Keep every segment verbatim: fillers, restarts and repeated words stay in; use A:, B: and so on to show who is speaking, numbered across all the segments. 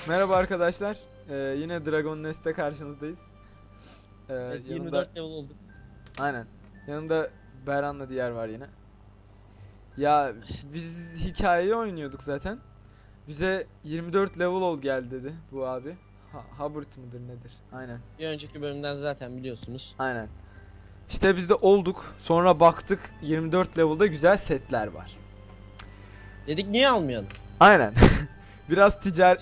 A: Merhaba arkadaşlar. Ee, yine Dragon Nest'te karşınızdayız. Ee,
B: Evet,
A: yanımda,
B: yirmi dört level olduk.
A: aynen. Yanında Beran'la diğer var yine. Ya biz hikayeyi oynuyorduk zaten. Bize yirmi dört level ol geldi dedi bu abi. Ha Hubbard mıdır nedir? Aynen.
B: Bir önceki bölümden zaten biliyorsunuz.
A: Aynen. İşte biz de olduk. Sonra baktık yirmi dört level'da güzel setler var.
B: Dedik niye almayalım?
A: Aynen. Biraz ticaret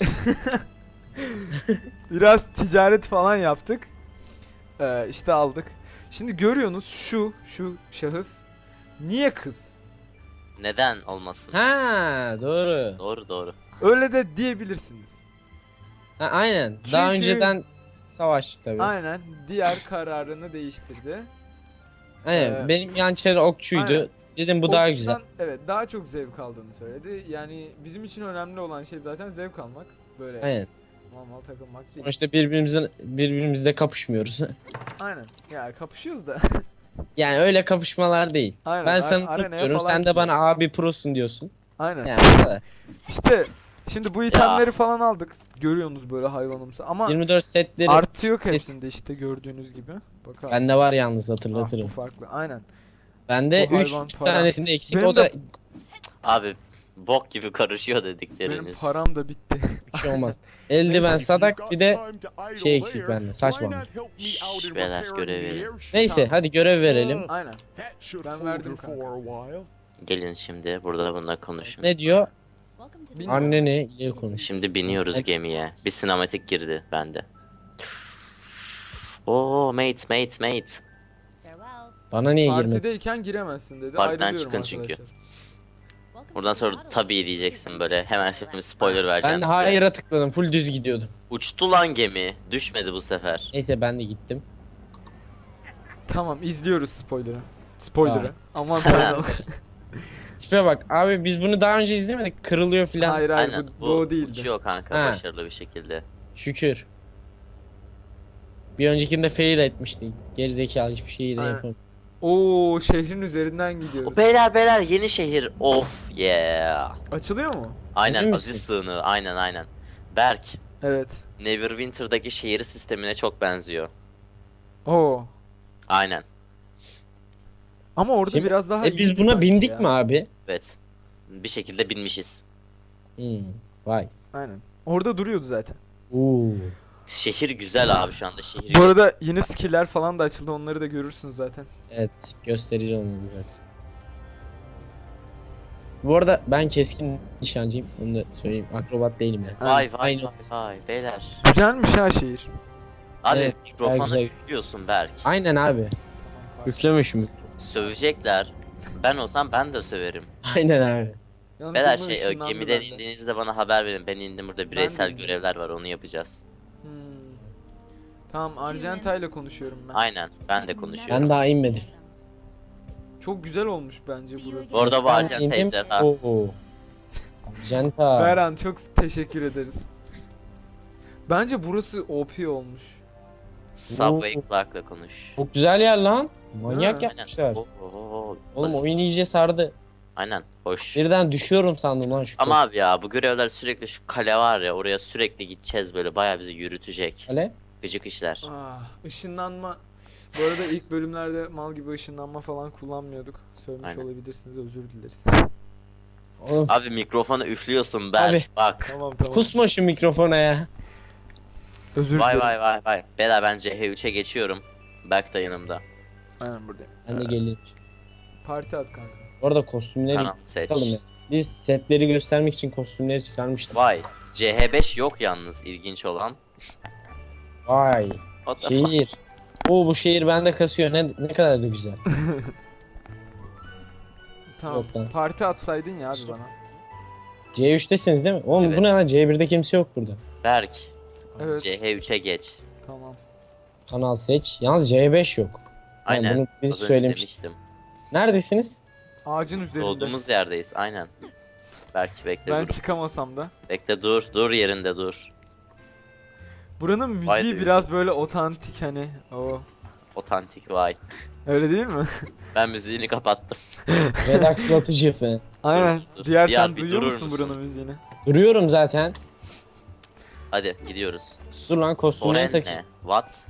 A: Biraz ticaret falan yaptık. Ee, işte aldık. Şimdi görüyorsunuz şu şu şahıs niye kız?
C: Neden olmasın?
B: Ha doğru.
C: Doğru doğru.
A: Öyle de diyebilirsiniz.
B: Ha, aynen. Daha
A: Çünkü-
B: önceden savaştı tabii. Aynen.
A: Aynen diğer kararını değiştirdi. Ee,
B: Benim yançeri okçuydu.
A: aynen.
B: Dedim bu daha güzel.
A: Okçudan, evet, daha çok zevk aldığını söyledi. Yani bizim için önemli olan şey zaten zevk almak. Böyle
B: Aynen.
A: normal takılmak değil.
B: Sonuçta birbirimizle birbirimizle kapışmıyoruz.
A: Aynen. Yani kapışıyoruz da.
B: Yani öyle kapışmalar değil.
A: Aynen.
B: Ben
A: ar-
B: sana
A: arenaya
B: tut diyorum,
A: falan
B: sen de bana
A: gidiyoruz.
B: abi prosun diyorsun.
A: Aynen.
B: Yani bu kadar.
A: İşte şimdi bu itemleri falan aldık. Görüyorsunuz böyle hayvanımsı ama
B: yirmi dört setleri
A: artı yok hepsinde işte gördüğünüz gibi. Bakarsınız.
B: bende var yalnız,
A: Ah, bu
B: hatırlatırım.
A: farklı. Aynen.
B: Bende
A: Bu
B: üç
A: hayvan para.
B: tanesinde eksik,
A: Benim
B: o da
A: de-
C: Abi bok gibi karışıyor
A: Benim
C: dedikleriniz.
A: param da bitti.
B: bir şey olmaz. Eldiven, sadak, bir de şey eksik bende, saç var.
C: Şşş, beyler, görev verin.
B: neyse
A: Tamam.
B: hadi görev verelim.
A: Aynen. Ben verdim kanka.
C: Gelin şimdi burada bununla konuşun.
B: Ne diyor?
A: Bilmiyorum.
B: Anneni iyi konuş.
C: Şimdi biniyoruz
B: Evet.
C: gemiye. Bir sinematik girdi bende. Oo mate mate mate.
B: Bana niye girmedi?
A: Partideyken giremezsin dedi.
C: Partiden
A: Ayrılıyorum
C: çıkın çünkü.
A: arkadaşlar.
C: Buradan sonra tabii diyeceksin böyle. Hemen şimdi spoiler vereceğim
B: Ben de
C: size.
B: hayır'a tıkladım, full düz gidiyordum.
C: Uçtu lan gemi. Düşmedi bu sefer.
B: Neyse ben de gittim.
A: Tamam, izliyoruz spoiler'ı. Spoiler'ı. Aman
C: Tamam.
A: tanrım.
B: Tipe bak abi, biz bunu daha önce izlemedik, kırılıyor filan.
A: Hayır hayır,
C: Aynen
A: bu,
C: bu,
A: bu o değildi.
C: uçuyor kanka
B: Ha.
C: başarılı bir şekilde.
B: Şükür. Bir öncekinde fail etmiştik. Gerizekalı, hiçbir şeyi de
A: Aynen.
B: yapamadım.
A: Oo, şehrin üzerinden gidiyoruz.
C: O beyler beyler yeni şehir. Of yeah.
A: Açılıyor mu?
C: Aynen
B: Emin
C: Aziz
B: misin?
C: Sığınağı aynen aynen. Berk,
A: Evet.
C: Neverwinter'daki şehir sistemine çok benziyor.
A: Oo.
C: Aynen.
A: Ama orada
B: Şimdi-
A: biraz daha
B: E biz
A: iyiydi
B: buna
A: sanki
B: bindik
A: ya.
B: mi abi?
C: Evet. Bir şekilde binmişiz.
B: Hmm. Vay.
A: Aynen. Orada duruyordu zaten.
B: Oo.
C: Şehir güzel abi şu anda şehir.
A: Bu arada yeni skill'ler falan da açıldı. Onları da görürsünüz zaten.
B: Evet, gösterici olmalı zaten. Bu arada ben keskin nişancıyım, onu da söyleyeyim. Akrobat değilim yani.
C: Vay vay
B: Aynen.
C: vay vay beyler.
A: Güzelmiş ha şehir.
C: Abi
B: Evet,
C: mikrofona
B: güzel.
C: üflüyorsun Berk.
B: Aynen abi. Üfleme şu mikrofonu.
C: Sövecekler. Ben olsam ben de söverim.
B: Aynen abi.
A: Yalnız
C: Beyler
A: bunun
C: şey e,
A: ışınlandı
C: gemiden
A: bende.
C: indiğinizde bana haber verin. Ben indim burada
A: de
C: bireysel
A: indim.
C: görevler var onu yapacağız.
A: Hmm. Tamam, Argenta ile konuşuyorum ben.
C: Aynen ben de konuşuyorum.
B: Ben daha inmedim.
A: Çok güzel olmuş bence burası.
C: Bu arada bu
B: Ben
C: Argenta
B: indim.
C: ejderha.
B: Oo. Jenta.
A: Beran, çok teşekkür ederiz. Bence burası O P olmuş.
C: Subway
B: Oo.
C: Clark'la konuş.
B: Çok güzel yer lan. Manyak
A: Ha.
B: yapmışlar.
C: Aynen. Oo, oo, oo.
B: Oğlum
C: Aziz-
B: oyun iyice sardı.
C: Aynen hoş.
B: Birden düşüyorum sandım lan şu
C: Ama abi ya bu görevler sürekli şu kale var ya oraya sürekli gideceğiz böyle bayağı bizi yürütecek.
B: kale.
C: Gıcık işler.
A: Ah, ışınlanma. Bu arada ilk bölümlerde mal gibi ışınlanma falan kullanmıyorduk. Söylemiş
C: Aynen.
A: olabilirsiniz, özür dileriz.
B: Oğlum
C: Abi mikrofona üflüyorsun Berk
B: Abi.
C: bak.
A: Tamam tamam.
B: kusma şu mikrofona ya.
A: Özür
C: Vay
A: dilerim.
C: vay vay vay. Bela ben C H üçe geçiyorum. Berk da yanımda.
A: Aynen buradayım.
B: Ben de geleyim.
A: Parti at kanka.
B: Bu arada kostümleri
C: Kanal seç.
B: çıkalım ya. Biz setleri göstermek için kostümleri çıkarmıştık.
C: Vay. C H beş yok yalnız ilginç olan.
B: Vay.
C: What the fuck?
B: Şehir. Oo, bu şehir bende kasıyor. Ne ne kadar da güzel.
A: Tamam.
B: Yok lan.
A: Parti atsaydın ya abi bana.
B: C üç'tesiniz değil mi? Oğlum
C: Evet.
B: bu ne lan? C bir'de kimse yok burada.
C: Berk.
A: Evet.
C: C H üçe geç.
A: Tamam.
B: Kanal seç. Yalnız C beş yok.
C: Aynen.
B: bunu biz
C: Az önce
B: söylemiştik.
C: demiştim.
B: Neredesiniz?
A: Ağacın üzerinde.
C: Doğduğumuz yerdeyiz aynen. Berk bekle
A: Ben
C: dur.
A: çıkamasam da.
C: Bekle dur. Dur yerinde dur.
A: Buranın müziği
C: Vay be.
A: biraz böyle otantik hani. O.
C: Otantik vay.
A: Öyle değil mi?
C: Ben müziğini kapattım.
B: Redakslatıcı falan.
A: Aynen.
C: dur.
A: Diğer
C: Diğer
A: sen
C: bir
A: duyuyor
C: durur
A: musun
C: musun?
A: buranın müziğini?
B: Duruyorum zaten.
C: Hadi gidiyoruz.
B: Dur lan, kostümleri
C: Soren
B: takayım.
C: ne? What?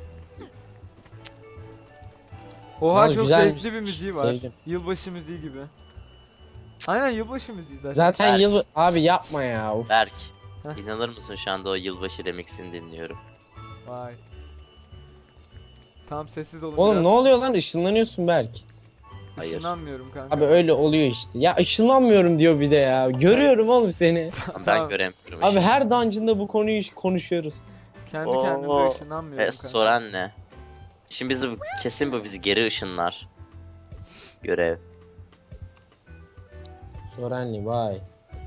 A: Oha
B: Yalnız
A: çok
B: güzelmiş.
A: zevkli bir müziği var.
B: Sevdim.
A: Yılbaşı müziği gibi. Aynen yılbaşı müziği zaten.
B: Zaten
C: Berk.
B: yıl... Abi yapma ya. Of.
C: Berk.
A: Heh.
C: İnanır mısın şu anda o yılbaşı remixini dinliyorum.
A: Vay. Tamam sessiz olun
B: Oğlum
A: biraz.
B: ne oluyor lan? Işınlanıyorsun Berk.
C: Hayır.
A: Işınlanmıyorum kanka.
B: Abi öyle oluyor işte. Ya ışınlanmıyorum diyor bir de ya. Görüyorum oğlum seni.
C: Ben
A: Tamam.
C: göremiyorum.
B: Abi
C: işini.
B: her dungeon'da bu konuyu konuşuyoruz.
A: Kendi
C: Oo.
A: kendime ışınlanmıyorum
C: Ve
A: kanka.
C: Soren ne? Şimdi bizi kesin bu bizi geri ışınlar. Görev.
B: Sorenli vay.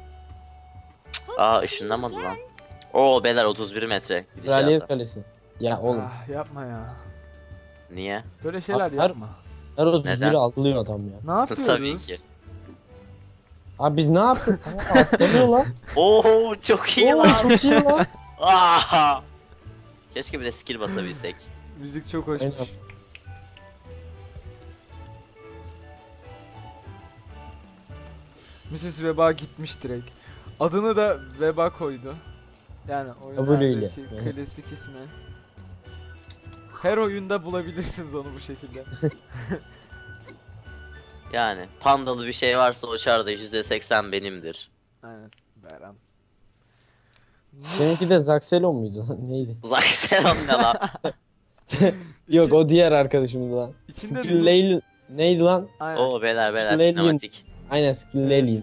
C: Aa ışınlamadı lan. Oo beyler otuz bir metre
B: Kraliyet
C: gidişata.
B: Kalesi. Ya oğlum.
A: Ah, yapma ya.
C: Niye?
A: Böyle şeyler
B: Abi, her-
A: yapma.
B: Her otuz
C: Neden?
B: biri atlıyor adam ya.
A: Ne yapıyoruz?
C: Tabii ki.
B: Abi biz ne yaptık? Aa, atlıyor lan.
C: Oo çok iyi
B: Oo,
C: lan.
B: çok iyi lan.
C: Aa! Keşke bir de skill basabilsek.
A: Müzik çok hoşmuş.
B: Aynen.
A: missis Veba gitmiş direkt. Adını da Veba koydu. Yani
B: Kabul öyle.
A: oyunlardaki
B: Evet.
A: klasik ismi. Her oyunda bulabilirsiniz onu bu şekilde.
C: Yani pandalı bir şey varsa o çarda yüzde seksen benimdir.
A: Aynen. Beran.
B: Seninki de Zaxelon muydu lan? Neydi?
C: Zaxxon ne lan?
B: Yok o diğer arkadaşımız lan.
A: İçinde
B: Skill'leyli... Neydi lan?
A: Aynen.
C: Oo beyler beyler
B: Lelium.
C: sinematik.
B: Aynen Skill'leyli.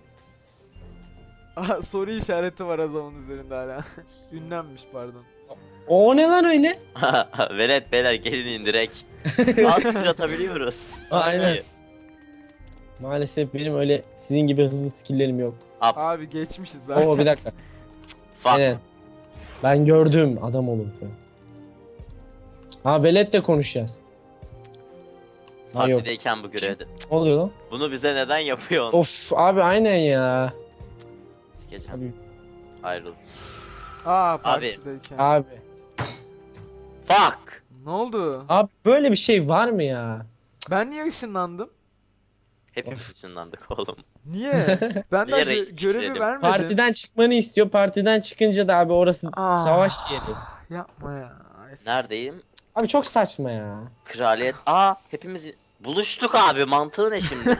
A: Aha, soru işareti var adamın üzerinde hala. Ünlenmiş pardon.
B: O ne lan öyle?
C: Velet beyler gelin indirek. Az skill atabiliyoruz.
B: Aynen. Maalesef benim öyle sizin gibi hızlı skill'lerim yok.
A: Abi geçmişiz zaten.
B: Oo bir dakika.
C: Fuck.
B: Aynen. Ben gördüm adam olun falan. Ha Velet'le konuşacağız. Ha yok.
C: Partideyken bu görevde.
B: Ne oluyor lan?
C: Bunu bize neden yapıyorsun?
B: Of abi aynen ya.
C: Sikeceğim.
B: Abi.
C: Ayrıl.
A: Aa partideyken.
B: Abi.
C: Fuck.
A: Ne oldu?
B: Abi böyle bir şey var mı ya?
A: Ben niye ışınlandım?
C: Hepimiz ışınlandık oğlum.
A: Niye? Ben
C: Niye
A: de
C: reis
A: gö-
C: geçirelim?
A: görevi vermedim.
B: Partiden çıkmanı istiyor. Partiden çıkınca da abi orası
A: Ah.
B: savaş yeri.
A: Yapma ya.
C: Neredeyim?
B: Abi çok saçma ya.
C: Kraliyet. Aa hepimiz buluştuk abi. Mantığı ne şimdi?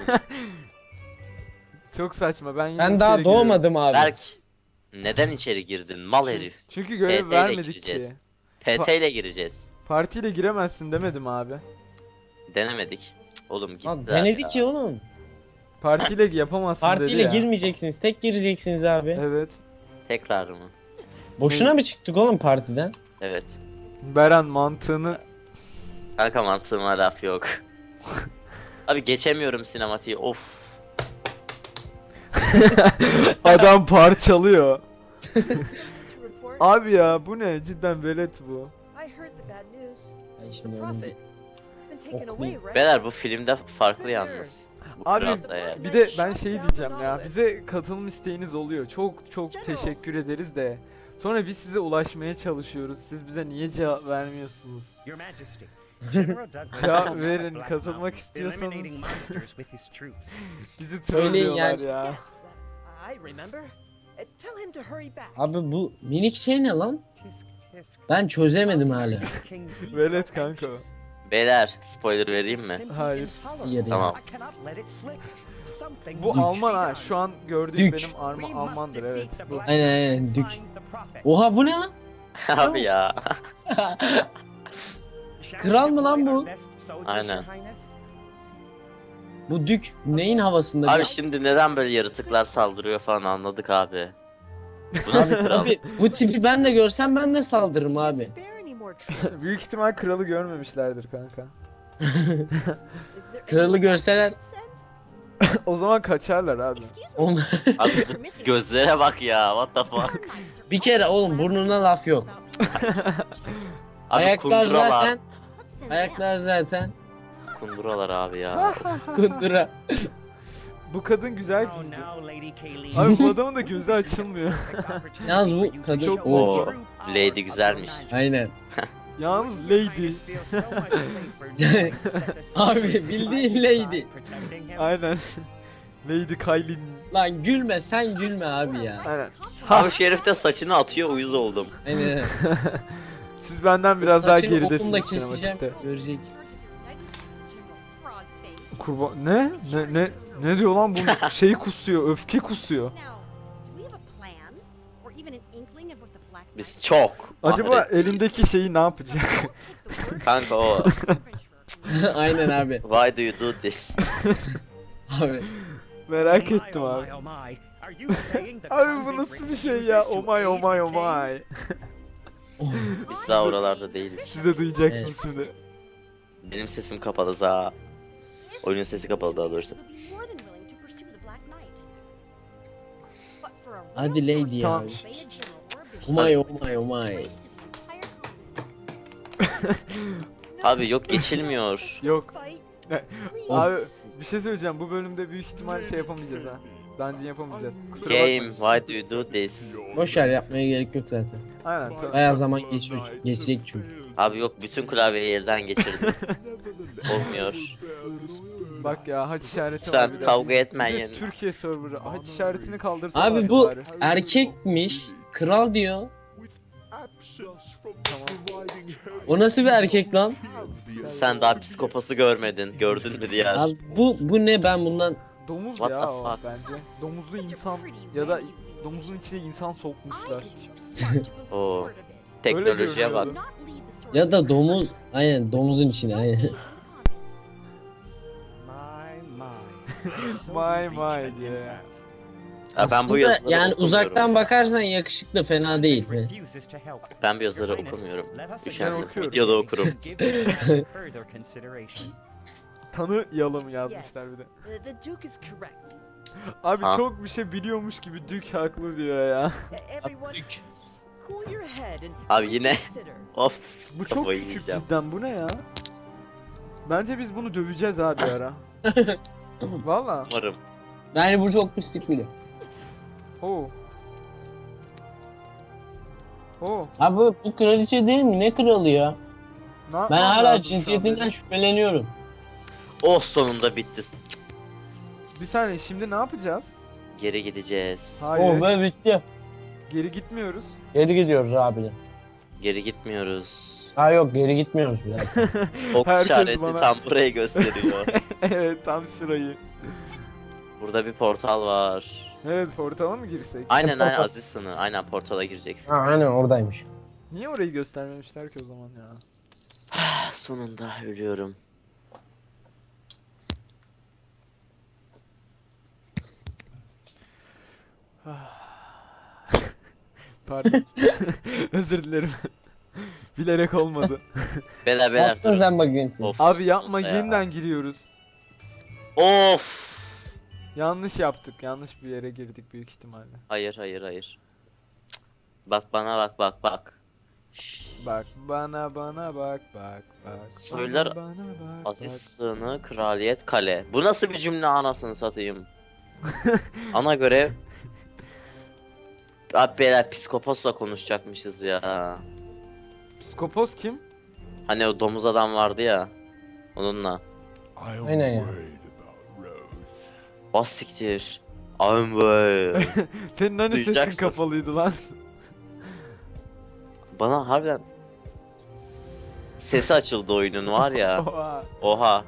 A: Çok saçma. Ben yine
B: Ben daha
A: içeri giriyorum.
B: doğmadım abi.
C: Berk. Neden içeri girdin? Mal herif.
A: Çünkü
C: P
A: görev
C: T ile
A: vermedik ki.
C: gireceğiz. P T ile gireceğiz.
A: Partiyle giremezsin demedim abi.
C: Denemedik. Cık, Oğlum gittiler
B: Lan denedik ya oğlum.
A: Partiyle yapamazsın
B: Partiyle
A: dedi ya.
B: girmeyeceksiniz. Tek gireceksiniz abi.
A: Evet.
C: Tekrar mı?
B: Boşuna mı çıktık oğlum partiden?
C: Evet.
A: Beren mantığını
C: Kanka mantığıma laf yok. Abi geçemiyorum sinematiği. Of.
A: adam parçalıyor. Abi ya bu ne? Cidden velet bu.
D: I heard the bad news.
B: Ay
D: The
B: şimdi öyle
D: prophet.
B: değil.
D: It's been taken
B: Oh,
D: away,
B: please.
D: right?
C: Beyler bu filmde farklı yalnız. Bu
A: Abi,
C: kralsa eğer.
A: Bir de ben şey diyeceğim ya. Bize katılım isteğiniz oluyor. Çok çok
D: General.
A: teşekkür ederiz de. Sonra biz size ulaşmaya çalışıyoruz. Siz bize niye cevap vermiyorsunuz?
E: Your Majesty, General Douglas
A: Cevap
E: has
A: verin,
E: Black
A: katılmak
E: Mountain,
A: istiyorsanız.
E: eliminating monsters with his troops.
A: Bizi
B: Söyleyin
A: trollüyorlar
B: yani.
A: ya.
D: Yes, uh, I remember. Uh, tell him to hurry back.
B: Abi bu minik şey ne lan?
E: Tisk tisk.
B: Ben çözemedim hala.
E: King be
A: Velet
E: so
A: kanka o.
E: anxious.
C: Beyler spoiler vereyim mi?
E: Simply
A: Hayır.
E: intolerable.
B: Yeri.
C: Tamam.
E: I cannot let it slip. Something
A: Bu
E: must
A: Alman
E: be
A: ha.
E: done.
A: Şu an gördüğüm
B: Dük.
A: benim arma
E: We must
A: Almandır
E: defeat
A: evet.
E: the
A: Bu.
E: Black
B: Aynen,
E: Mountain
B: aynen,
E: and
B: Dük.
E: find the prophet.
B: Oha bu ne lan?
C: Abi ya.
E: Shall
B: Kral
E: we
B: mı lan
E: deploy
B: bu?
E: our best soldiers,
C: Aynen.
E: Your Highness?
B: Bu dük neyin havasında?
C: Abi
B: Bir-
C: şimdi neden böyle yaratıklar saldırıyor falan anladık abi. Bu nasıl kral?
B: Abi bu tipi ben de görsem ben de saldırırım
D: Can't
B: abi.
D: spare any more troops.
A: Büyük ihtimal kralı görmemişlerdir kanka.
D: Is there
B: Kralı
D: anyone else
B: görseler-
D: we could send?
A: O zaman kaçarlar abi.
D: Excuse me.
B: Oğlum,
C: Abi bu gözlere bak ya. What the fuck?
B: bir kere oğlum burnuna laf yok.
C: Abi
B: Ayaklar
C: kunduralar.
B: zaten. Ayaklar zaten.
C: Kunduralar abi ya.
B: Kundura.
A: Bu kadın güzel
E: Oh,
A: giydi.
E: now, Lady Kayleen.
A: Abi bu adamın da gözü açılmıyor.
B: Yalnız bu kadın-
A: Çok
C: Oo,
A: bol.
C: Lady güzelmiş.
B: Aynen.
A: Yalnız lady.
B: Abi, bildiğin lady.
A: Aynen. Lady Kylie.
B: Lan gülme sen gülme abi ya.
A: Aynen.
C: Abi şu herif de saçını atıyor, uyuz oldum.
B: Aynen.
A: Siz benden biraz daha
B: Saçını okumda
A: geridesiniz
B: keseceğim.
A: sinematikte.
B: Görecek.
A: Kurban ne? Ne ne ne diyor lan bu şey kusuyor, öfke kusuyor.
C: Biz çok.
A: Acaba
C: Ahret-
A: elindeki şeyi ne yapacak?
C: Kanka o.
B: Aynen abi.
C: Why do you do this?
B: Abi.
A: Merak
E: My,
A: ettim
E: oh
A: abi.
E: my, oh my. Are you saying the
A: Abi bu
E: convict
A: nasıl bir şey ya?
E: refuses
A: Oh
E: to
A: my oh
E: aid
A: my oh
E: McCain?
A: my.
C: Biz daha oralarda değiliz.
A: Siz de duyacaksınız
B: Evet.
A: şimdi.
C: Benim sesim kapalı za. Oyunun sesi kapalı daha doğrusu.
B: Hadi lady ya.
A: Tamam.
B: Oh my oh my oh my.
C: Abi yok geçilmiyor.
A: Yok.
D: Fight.
A: Abi bir şey söyleyeceğim. Bu bölümde büyük ihtimal şey yapamayacağız ha. Dungeon yapamayacağız. Kusura
C: Game,
A: bakmayın.
C: why do you do this?
B: Boş ver, yapmaya gerek yok zaten.
A: Aynen. ta-
B: Bayağı zaman geçiyor. Geçecek çünkü.
C: Abi yok bütün klavyeyi elden geçirdim. Olmuyor.
A: Bak ya haç işareti
C: Lütfen
A: var bir de.
C: kavga etmen
A: Bir de
C: yerine.
A: Türkiye serverı. Haç işaretini kaldırsana.
B: Abi bu erkekmiş. Kral diyor. O nasıl bir erkek lan?
C: Sen daha psikopası görmedin. Gördün mü diğer?
B: Abi bu bu ne, ben bundan
A: Domuz
C: What
A: ya
C: the
A: o
C: fuck?
A: bence. Domuzlu insan ya da domuzun içine insan sokmuşlar.
C: Oo. Teknolojiye bak.
A: görünüyordu.
B: ya da domuz, aynen domuzun içine aynen.
E: My, my. So
A: My,
E: rich
A: my
E: and
A: diye.
E: advanced.
C: Ya ben bu
B: Aslında
C: yazıları
B: yani
C: okumuyorum.
B: uzaktan bakarsan yakışıklı, fena değil.
E: Refuses to help.
C: Ben bu yazıları
E: Your Highness,
C: okumuyorum.
E: let us
C: Üşendim.
A: Ben okuyorum.
C: Videoda okurum.
E: Give this matter further consideration.
A: Tanıyalım yazmışlar bir de.
D: Uh, the Duke is correct.
A: Abi
C: Ha.
A: çok bir şey biliyormuş gibi Dük haklı diyor ya.
D: E- Everyone, cool your head and
C: Abi yine-
D: consider.
C: Of.
A: Bu çok
C: Kafayı
A: küçük
C: yiyeceğim.
A: cidden, bu ne ya? Bence biz bunu döveceğiz abi ara. Valla.
C: Umarım.
B: Yani bu çok pislik bile.
A: Oo. Oo.
B: Abi bu kraliçe değil mi? Ne kralı ya?
A: Ne
B: Ben
A: yapmam
B: hala
A: lazım şu an
B: cinsiyetinden
A: benim?
B: şüpheleniyorum.
C: Oh sonunda bitti.
A: Bir saniye, şimdi ne yapacağız?
C: Geri gideceğiz.
A: Hayır.
B: Oh be, bitti.
A: Geri gitmiyoruz.
B: Geri gidiyoruz abi.
C: Geri gitmiyoruz.
B: Ha yok, geri gitmiyoruz bile.
C: Ok
A: Herkes
C: işareti
A: bana-
C: tam burayı gösteriyor.
A: Evet, tam şurayı.
C: Burada bir portal var.
A: Evet, portala mı girsek?
C: Aynen aynen
B: portal.
C: Aziz sınır. Aynen portala gireceksin.
B: Ha aynen oradaymış.
A: Niye orayı göstermemişler ki o zaman ya?
C: Ah, sonunda ölüyorum.
A: Pardon. Özür dilerim. Bilerek olmadı.
C: Beyler
B: Ne
C: beyler
B: yaptın
C: dur.
B: sen bakayım?
C: Of,
A: Abi yapma,
C: sonunda ya.
A: yeniden giriyoruz.
C: Of.
A: Yanlış yaptık. Yanlış bir yere girdik büyük ihtimalle.
C: Hayır hayır hayır. Cık. Bak bana bak bak bak. Şşş.
A: Bak bana bana bak bak bak.
C: Söyler
A: bana, bana bak,
C: Aziz
A: bak.
C: sığını kraliyet kale. Bu nasıl bir cümle anasını satayım. Ana görev. Abi beyler psikopatla konuşacakmışız ya.
A: Psikopos kim?
C: Hani o domuz adam vardı ya. Onunla.
B: Aynen ya.
C: Bas siktir. I'm way.
A: Senin hani sesin
C: Duyacaksın.
A: kapalıydı lan.
C: Bana harbiden sesi açıldı oyunun var ya.
A: Oha.
C: Oha.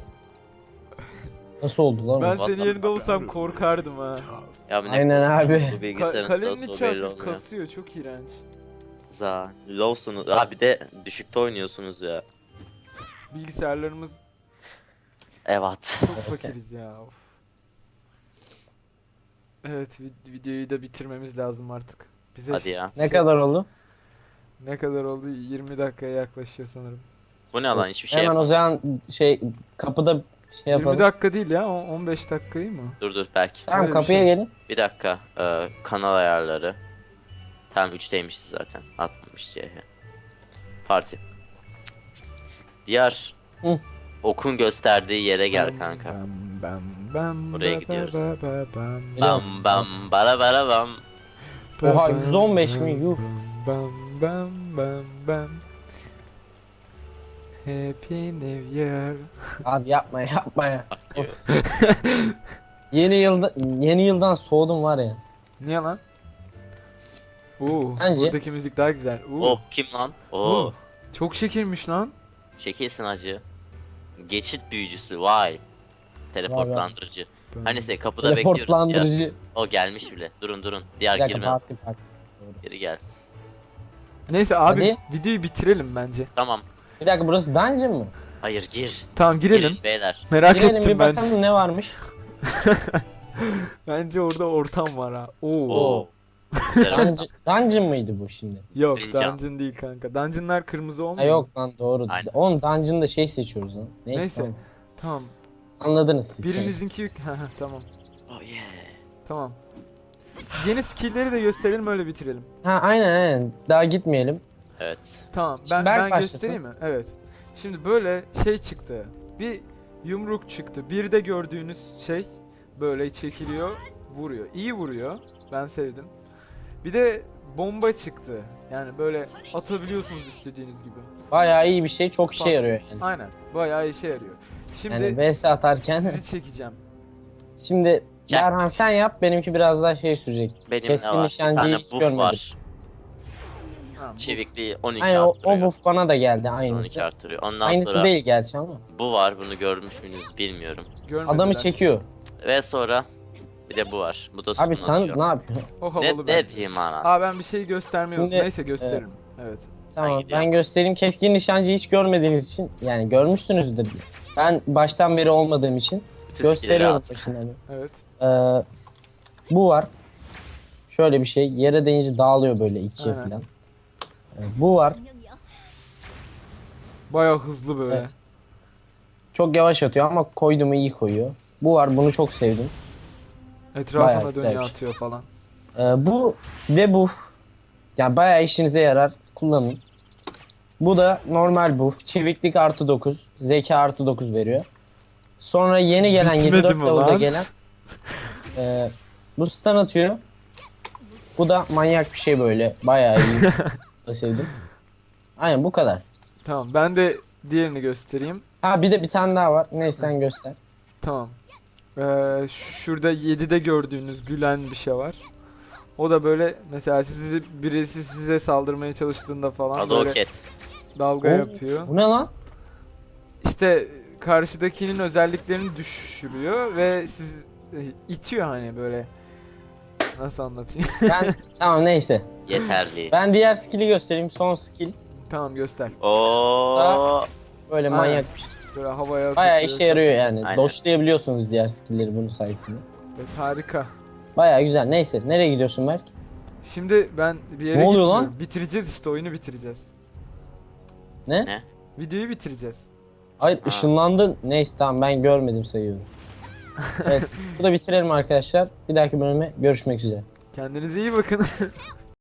B: Nasıl oldu lan?
A: Ben
B: o?
C: What
A: senin
C: the
A: yerinde
C: fuck?
A: olsam korkardım ha.
C: Ya bu ne
B: Aynen abi.
C: bu
A: Ka-
C: bilgisayarın
A: kalenin
C: sırası o
A: içi
C: belli
A: hafif
C: olmuyor.
A: kasıyor, çok iğrenç.
C: Za. Low'sunuz. Ha bir de düşükte oynuyorsunuz ya.
A: Bilgisayarlarımız
C: Evet.
A: çok fakiriz ya. Of. Evet, vid- videoyu da bitirmemiz lazım artık. Bize
C: Hadi ya.
B: Ne kadar oldu?
A: ne kadar oldu? yirmi dakikaya yaklaşıyor sanırım.
C: Bu ne lan hiçbir şey
B: Hemen
C: yapma.
B: o zaman şey kapıda şey
A: yirmi
B: yapalım.
A: dakika değil ya, o- on beş dakikayı mı?
C: Dur dur belki.
B: Tamam,
A: Öyle bir
B: kapıya
A: şey.
B: gelin.
C: Bir dakika. Ee, kanal ayarları. Tamam üçteymişiz zaten. Atmamış diye. Parti. Diğer
B: Hı.
C: okun gösterdiği yere gel kanka.
A: Bam, bam, bam,
C: Oraya
A: ba,
C: gidiyoruz.
A: ba, ba, bam,
C: Bam bam bara bara bam.
A: ba,
B: Oha,
A: bam,
B: yüz on beş mi?
A: bam,
B: Yuh.
A: Bam bam bam bam. Happy New Year.
B: Abi yapma yapma ya. Yeni yılda yeni yıldan soğudum var ya.
A: Niye lan? Oo,
B: Bence-
A: buradaki müzik daha güzel. Oo.
C: Oh kim lan? Oo.
A: Oo. Çok şekilmiş lan.
C: Çekilsin acı. Geçit büyücüsü vay. Teleportlandırıcı. Hani sen kapıda bekliyoruz ya.
B: Teleportlandırıcı.
C: O gelmiş bile. Durun durun. Diğer
B: Bir dakika
C: girme.
B: farklı farklı.
C: Geri gel.
A: Neyse abi
B: Hadi.
A: videoyu bitirelim bence.
C: Tamam.
B: Bir dakika burası dungeon mı?
C: Hayır gir.
A: Tamam girelim.
C: Girin beyler.
A: Merak
B: Girelim
A: ettim
B: bir
A: ben.
B: bakalım ne varmış.
A: Bence orada ortam var ha. Oo.
C: Oo. Güzel oldu.
B: Dungeon, dungeon mıydı bu şimdi?
A: Yok
C: Dungeon.
A: dungeon değil kanka. Dungeonlar kırmızı
B: Ha
A: olmuyor.
B: yok lan doğru.
C: Aynen.
B: Oğlum dungeon'da şey seçiyoruz lan. Neyse,
A: Neyse.
B: tamam.
A: Tamam.
B: Anladınız siz.
A: Birinizinki yük. Haha, tamam.
C: Oh yeah.
A: Tamam. Yeni skill'leri de gösterelim öyle bitirelim.
B: Ha aynen aynen. Daha gitmeyelim.
C: Evet.
A: Tamam.
B: Şimdi
A: Ben
B: Berk
A: ben
B: başlasın.
A: göstereyim mi? Evet. Şimdi böyle şey çıktı. Bir yumruk çıktı. Bir de gördüğünüz şey böyle çekiliyor, vuruyor. İyi vuruyor. Ben sevdim. Bir de bomba çıktı. Yani böyle atabiliyorsunuz istediğiniz gibi.
B: Bayağı iyi bir şey. Çok işe
A: Bak.
B: yarıyor yani.
A: Aynen. Bayağı işe yarıyor. Şimdi
B: Yani V S atarken.
A: sizi çekeceğim.
B: Şimdi
C: Çek.
B: Berhan sen yap. Benimki biraz daha şey sürecek.
C: Benim
B: Keskin
C: ne var? Bir
B: nişancıyı
C: tane
B: hiç
C: buff
B: görmedim.
C: var.
A: Ha, bu
C: Çevikliği on iki
B: Aynen o, o
C: arttırıyor.
B: buff bana da geldi
C: on
B: aynısı.
C: iki arttırıyor. Ondan
B: Aynısı
C: sonra
B: değil gerçi ama.
C: bu var. Bunu görmüş müyüz bilmiyorum.
A: görmediler.
B: Adamı çekiyor.
C: Ve sonra bir de bu var. Bu da
B: Abi
C: sunum
B: sen
C: atıyor.
B: ne yapıyorsun?
A: O
C: Ne,
A: havalı
C: ne
A: bence.
C: diyeyim anasını?
A: Aa ben bir şey göstermiyorum.
B: Şimdi-
A: Neyse gösteririm. Evet.
B: Tamam
C: gidiyorum.
B: ben göstereyim. Keskin nişancıyı hiç görmediğiniz için yani görmüşsünüzdür. Ben baştan beri olmadığım için
C: Bütün skill'leri
B: gösteriyorum
C: at.
B: başından.
A: Evet.
B: Ee, bu var. Şöyle bir şey. Yere değince dağılıyor böyle ikiye
A: Aynen.
B: falan. Ee, bu var.
A: Bayağı hızlı böyle.
B: Evet. Çok yavaş atıyor ama koydu mu iyi koyuyor. Bu var. Bunu çok sevdim. Bayağı
A: Etrafına
B: güzel
A: dönüyor
B: bir şey.
A: atıyor falan.
B: Ee, bu ve buff. Yani bayağı işinize yarar. Kullanın. Bu da normal buff. Çeviklik artı dokuz. Zeka artı dokuz veriyor. Sonra yeni gelen
A: Bitmedi
B: yedi dört
A: mi
B: level'da
A: lan?
B: gelen e, bu stun atıyor. Bu da manyak bir şey böyle. Bayağı iyi. Bu da sevdim. Aynen bu kadar.
A: Tamam ben de diğerini göstereyim.
B: Ha bir de bir tane daha var. Neyse sen göster.
A: Tamam. Ee, şurada yedide gördüğünüz gülen bir şey var. O da böyle mesela sizi birisi size saldırmaya çalıştığında falan böyle
C: Adoket.
A: dalga
B: Oo,
A: yapıyor.
B: Bu ne lan?
A: İşte karşıdakinin özelliklerini düşürüyor ve siz e, itiyor hani böyle. Nasıl anlatayım?
B: Ben tamam neyse.
C: Yeterli.
B: Ben diğer skill'i göstereyim. Son skill.
A: Tamam göster.
C: Oo.
B: Böyle
A: Aynen.
B: manyak bir şey.
A: Böyle havaya
B: Bayağı
A: atıyor,
B: işe yarıyor yani.
C: Aynen.
B: Doşlayabiliyorsunuz diğer skill'leri bunun sayesinde.
A: Evet, harika.
B: Bayağı güzel. Neyse nereye gidiyorsun Berk?
A: Şimdi ben bir yere
B: Ne oluyor
A: gitmiyorum.
B: lan?
A: Bitireceğiz işte oyunu bitireceğiz.
B: Ne?
C: Ne?
A: Videoyu bitireceğiz.
B: Hayır
C: Ha.
B: ışınlandın. Neyse tamam ben görmedim sayıyorum. Evet bu da bitirelim arkadaşlar. Bir dahaki bölüme görüşmek üzere.
A: Kendinize iyi bakın.